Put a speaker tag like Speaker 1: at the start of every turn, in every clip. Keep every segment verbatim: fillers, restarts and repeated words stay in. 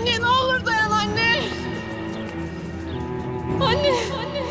Speaker 1: Anne ne olur dayan anne. Anne. Anne.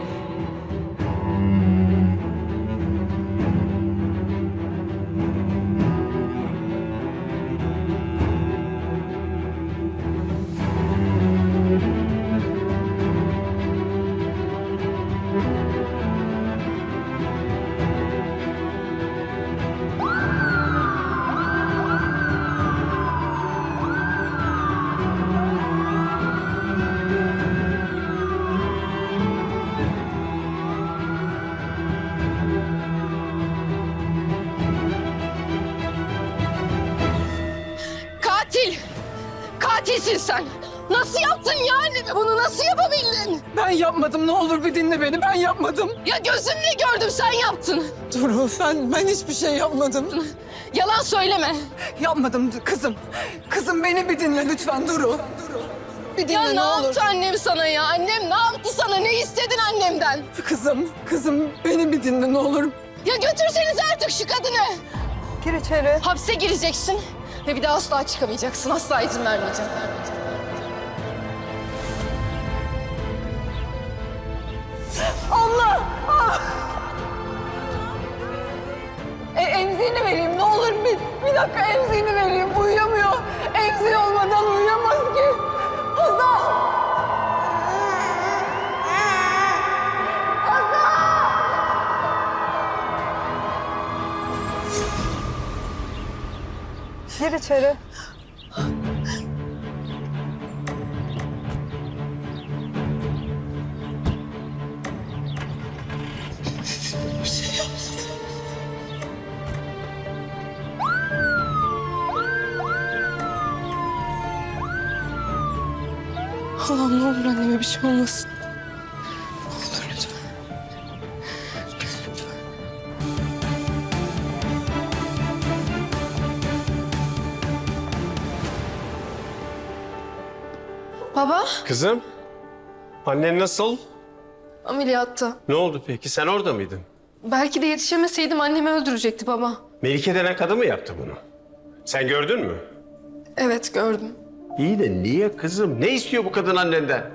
Speaker 1: Katil! Katilsin sen! Nasıl yaptın ya anneme bunu? Nasıl yapabildin?
Speaker 2: Ben yapmadım. Ne olur bir dinle beni. Ben yapmadım.
Speaker 1: Ya gözümle gördüm sen yaptın.
Speaker 2: Duru ben, ben hiçbir şey yapmadım.
Speaker 1: Yalan söyleme.
Speaker 2: Yapmadım kızım. Kızım beni bir dinle lütfen Duru. Bir dinle
Speaker 1: Ya
Speaker 2: ne,
Speaker 1: ne
Speaker 2: olur.
Speaker 1: yaptı annem sana ya? Annem ne yaptı sana? Ne istedin annemden?
Speaker 2: Kızım, kızım beni bir dinle ne olur.
Speaker 1: Ya götürseniz artık şu kadını.
Speaker 2: Gir içeri.
Speaker 1: Hapse gireceksin ve bir daha asla çıkamayacaksın. Asla izin vermeyeceğim.
Speaker 2: Allah! Ah! E, emziğini vereyim ne olur bir, bir dakika emziğini vereyim. Uyuyamıyor. Emziği olmadan uyuyamaz ki. Hazal! Gir içeri.
Speaker 1: Allah'ım ne olur anneme bir şey olmasın. Ne olur lütfen. Lütfen. Baba,
Speaker 3: Kızım, annen nasıl?
Speaker 1: ameliyatta.
Speaker 3: Ne oldu peki? Sen orada mıydın?
Speaker 1: Belki de yetişemeseydim annemi öldürecekti baba.
Speaker 3: Melike denen kadın mı yaptı bunu? Sen gördün mü?
Speaker 1: Evet gördüm.
Speaker 3: İyi de niye kızım? Ne istiyor bu kadın annenden?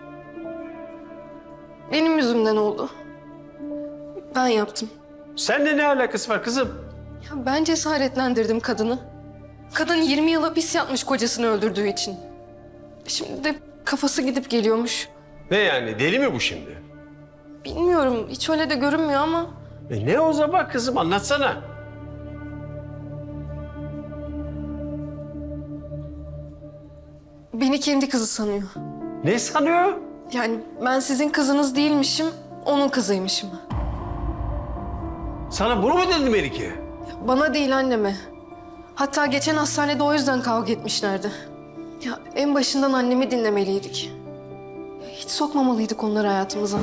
Speaker 1: Benim yüzümden oldu. Ben yaptım.
Speaker 3: Seninle ne alakası var kızım?
Speaker 1: Ya ben cesaretlendirdim kadını. Kadın yirmi yıl hapis yatmış kocasını öldürdüğü için. Şimdi de kafası gidip geliyormuş.
Speaker 3: Ne yani? Deli mi bu şimdi?
Speaker 1: Bilmiyorum, hiç öyle de görünmüyor ama...
Speaker 3: E ne o zaman kızım? Anlatsana.
Speaker 1: Beni kendi kızı sanıyor.
Speaker 3: Ne sanıyor?
Speaker 1: Yani ben sizin kızınız değilmişim, onun kızıymışım.
Speaker 3: Sana bunu mu dedi Melike?
Speaker 1: Bana değil anneme. Hatta geçen hastanede o yüzden kavga etmişlerdi. Ya en başından annemi dinlemeliydik. Hiç sokmamalıydık onları hayatımıza.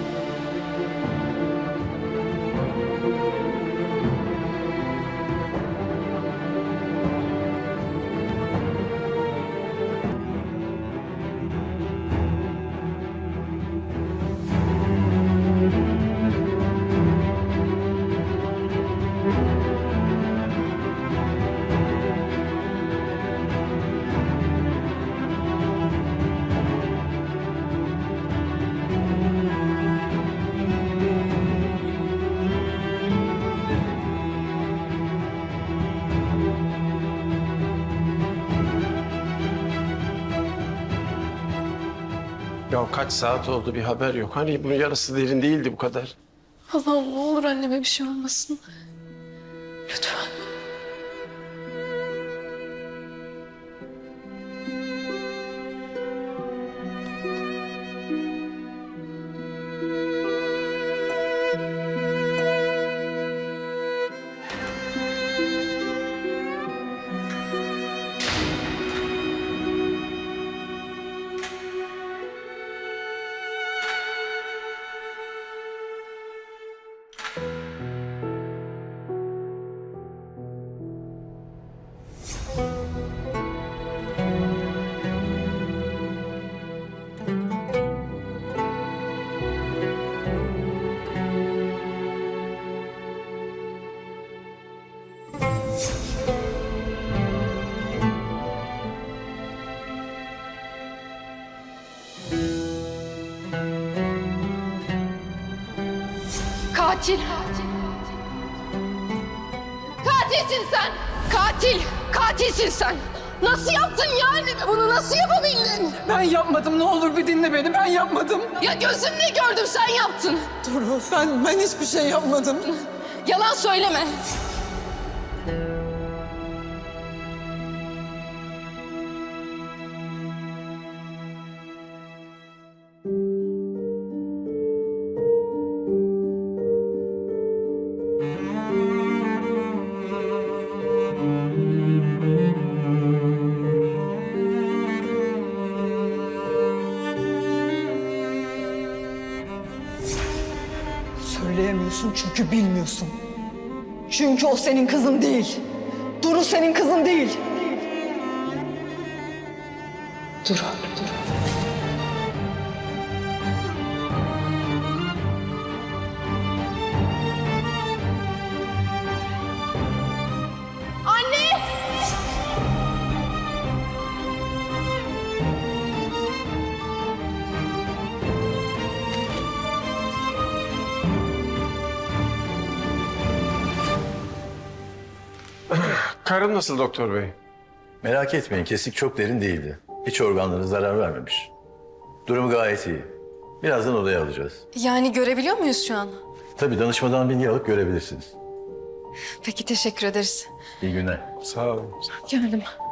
Speaker 3: Ya kaç saat oldu bir haber yok. Hani bunun yarısı derin değildi bu kadar.
Speaker 1: Allah'ım ne olur anneme bir şey olmasın. Lütfen. Katil. Katilsin sen. Katil. Katilsin sen. Nasıl yaptın ya anneme bunu? Nasıl yapabildin?
Speaker 2: Ben yapmadım. Ne olur bir dinle beni. Ben yapmadım.
Speaker 1: Ya gözümle gördüm sen yaptın.
Speaker 2: Duru ben, ben hiçbir şey yapmadım.
Speaker 1: Yalan söyleme.
Speaker 2: Söyleyemiyorsun çünkü bilmiyorsun. Çünkü o senin kızın değil. Duru senin kızın değil. Duru, Duru.
Speaker 1: Anne!
Speaker 3: Karım nasıl doktor bey?
Speaker 4: Merak etmeyin, kesik çok derin değildi. İç organlarına zarar vermemiş. Durumu gayet iyi. Birazdan odaya alacağız.
Speaker 1: Yani görebiliyor muyuz şu an?
Speaker 4: Tabii danışmadan bilgi alıp görebilirsiniz.
Speaker 1: Peki teşekkür ederiz.
Speaker 4: İyi günler.
Speaker 3: Sağ olun.
Speaker 1: Geldim.